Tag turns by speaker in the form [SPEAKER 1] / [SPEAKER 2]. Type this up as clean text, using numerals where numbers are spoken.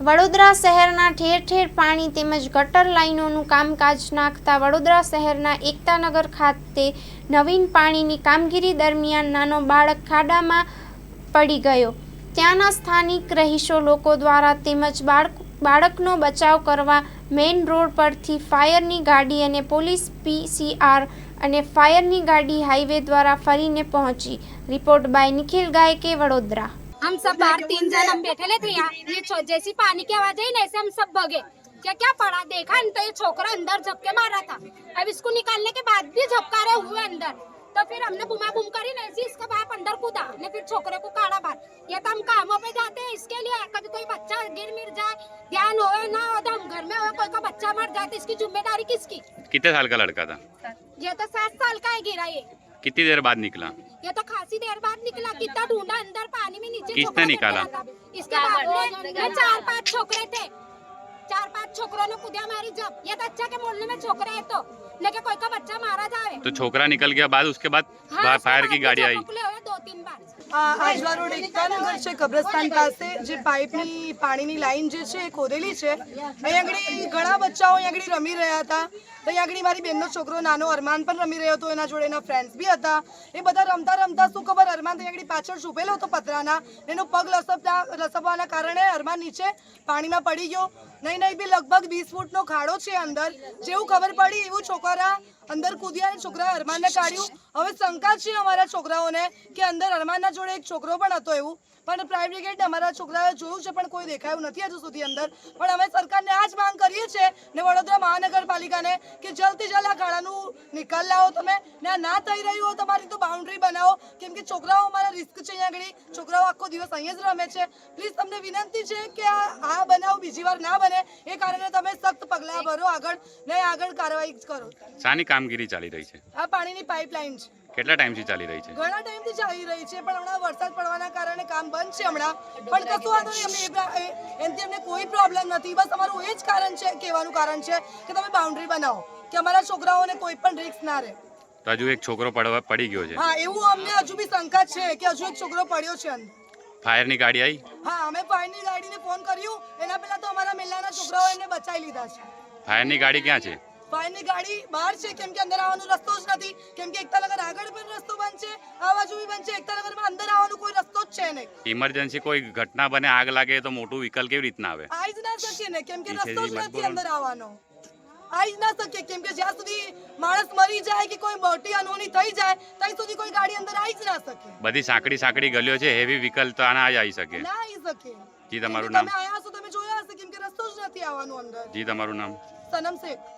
[SPEAKER 1] વડોદરા શહેરના ઠેર ઠેર પાણી તેમજ ગટર લાઇનોનું કામકાજ નાખતા વડોદરા શહેરના એકતાનગર ખાતે નવીન પાણીની કામગીરી દરમિયાન નાનો બાળક ખાડામાં પડી ગયો. ત્યાંના સ્થાનિક રહીશો લોકો દ્વારા તેમજ બાળકનો બચાવ કરવા મેઇન રોડ પરથી ફાયરની ગાડી અને પોલીસ PCR અને ફાયરની गाड़ी हाईवे द्वारा फरीने पहुंची। रिपोर्ट बाय निखिल गायके, वडोदरा।
[SPEAKER 2] हम सब बाहर 3 जन हम बैठे थे यहाँ, ये जैसी पानी की आवाज आई ना ऐसे हम सब भगे। क्या पड़ा देखा तो ये छोकरा अंदर झपके मारा था। अब इसको निकालने के बाद भी झपकारे हुए अंदर, तो फिर हमने बुमा बुम करी ना ऐसी, इसका बाप अंदर कूदा ने फिर छोकरे को काढ़ा बाहर। ये तो हम कामों पे जाते हैं इसके लिए, कभी कोई बच्चा गिर मिर जाए, ध्यान होए ना हो तो हम घर में हो, कोई का बच्चा मर जाए तो इसकी जिम्मेदारी किसकी?
[SPEAKER 3] कितने साल का लड़का था?
[SPEAKER 2] ये तो 7 साल का है गिरा ये।
[SPEAKER 3] कितनी देर बाद निकला?
[SPEAKER 2] ये तो खासी देर बाद निकला। कितना ढूंढा अंदर पानी में, नीचे
[SPEAKER 3] किसने निकाला?
[SPEAKER 2] इसके बाप ने। 4-5 छोकरे थे, 4-5 छोकरों ने कूदिया मारी। जब ये तो अच्छा के मोहल्ले में छोकरे है तो लेकिन कोई का बच्चा मारा जाए
[SPEAKER 3] तो छोकरा निकल गया बाद, उसके बाद फायर की गाड़ी आई
[SPEAKER 2] 2-3 बार।
[SPEAKER 4] આજવા રોડ એકતાનગર છે, કબ્રસ્તાન પાસે જે પાઇપની પાણીની લાઈન જે છે એ ખોદેલી છે. અહીં આગળ ઘણા બચ્ચાઓ અહીં આગળ રમી રહ્યા હતા. તો અહીં આગળ મારી બેનનો છોકરો નાનો અરમાન પણ રમી રહ્યો હતો, એના જોડે એના ફ્રેન્ડ્સ બી હતા. એ બધા રમતા રમતા શું ખબર, અરમાન તો આગળ પાછળ છુપેલો હતો પતરાના, એનો પગ લસપવાના કારણે અરમાન નીચે પાણીમાં પડી ગયો. નહીં બી લગભગ 20 ફૂટનો ખાડો છે અંદર. જેવું ખબર પડી એવું છોકરા અંદર કૂદ્યા અને છોકરા અરમાનને કાઢ્યું. હવે શંકા છે અમારા છોકરાઓને કે અંદર અરમાનના જોડે એક છોકરો પણ હતો એવું, પણ ફાયર બ્રિગેડને અમારા છોકરાએ જોયું છે પણ કોઈ દેખાયું નથી હજુ સુધી અંદર. પણ અમે સરકારને આ જ માંગ કરીએ છીએ ને વડોદરા મહાનગરપાલિકાને કે જલ્દથી જલ્દ આ ખાડાનું નિકાલ લાવો તમે, ને ના થઈ રહ્યું હોય તમારી તો બાઉન્ડ્રી બનાવો, કેમ કે છોકરાઓ અમારા રિસ્ક છે. અહીંયા આગળ છોકરાઓ આખો દિવસ અહીંયા જ રમે છે. પ્લીઝ તમને વિનંતી છે કે આ બનાવ બીજી વાર ના બને એ કારણે તમે સખ્ત પગલાં ભરો આગળ ને આગળ કાર્યવાહી કરો.
[SPEAKER 3] શાની કામગીરી ચાલી રહી છે?
[SPEAKER 4] આ પાણીની પાઇપલાઇન છે.
[SPEAKER 3] કેટલા ટાઈમથી ચાલી રહી છે?
[SPEAKER 4] ઘણા ટાઈમથી ચાલી રહી છે, પણ હમણાં વરસાદ પડવાના કારણે કામ બંધ છે હમણાં. પણ કશું વાંધો નહીં, એનાથી અમને કોઈ પ્રોબ્લેમ નથી. બસ અમારું એ જ કારણ છે, કહેવાનું કારણ છે કે તમે બાઉન્ડ્રી બનાવો કે અમારા છોકરાઓને કોઈ પણ રિસ્ક ના રહે.
[SPEAKER 3] તો હજુ એક છોકરો પડી ગયો છે?
[SPEAKER 4] હા, એવું અમને હજુ બી શંકા છે કે હજુ એક છોકરો પડ્યો છે અંદર.
[SPEAKER 3] ફાયરની ગાડી આવી?
[SPEAKER 4] હા, અમે ફાયરની ગાડીને ફોન કર્યું. એના પહેલા તો અમારા મેલાના છોકરાઓ એમને બચાવી લીધા છે.
[SPEAKER 3] ફાયરની ગાડી ક્યાં છે?
[SPEAKER 4] ફાયરની ગાડી બહાર છે, કેમ કે અંદર આવવાનો રસ્તો જ નથી. કેમ કે એકતાનગર આગળ પણ રસ્તો બંધ છે, આ બાજુ બી બંધ છે. એકતાનગરમાં અંદર આવવાનો કોઈ રસ્તો જ છે નહીં.
[SPEAKER 3] ઇમરજન્સી કોઈ ઘટના બને, આગ લાગે તો મોટું વ્હીકલ કેવી રીતના આવે?
[SPEAKER 4] આવી જ ના શકીએ ને, કેમ કે રસ્તો જ નથી અંદર આવવાનો. આવી જ ના શકીએ, કેમ કે જ્યાં સુધી માણસ મરી જાય કે કોઈ મોટી અનહોની થઈ જાય ત્યાં સુધી કોઈ ગાડી અંદર આવી જ ના શકે.
[SPEAKER 3] બધી સાંકડી ગલીઓ છે, હેવી વ્હીકલ તો આના આવી શકે
[SPEAKER 4] ના આવી શકે.
[SPEAKER 3] જી તમારું નામ?
[SPEAKER 4] તમે આયા છો, તમે જોયા હશે, કેમ કે રસ્તો જ નથી આવવાનો અંદર.
[SPEAKER 3] જી તમારું નામ?
[SPEAKER 4] સનમ શેખ.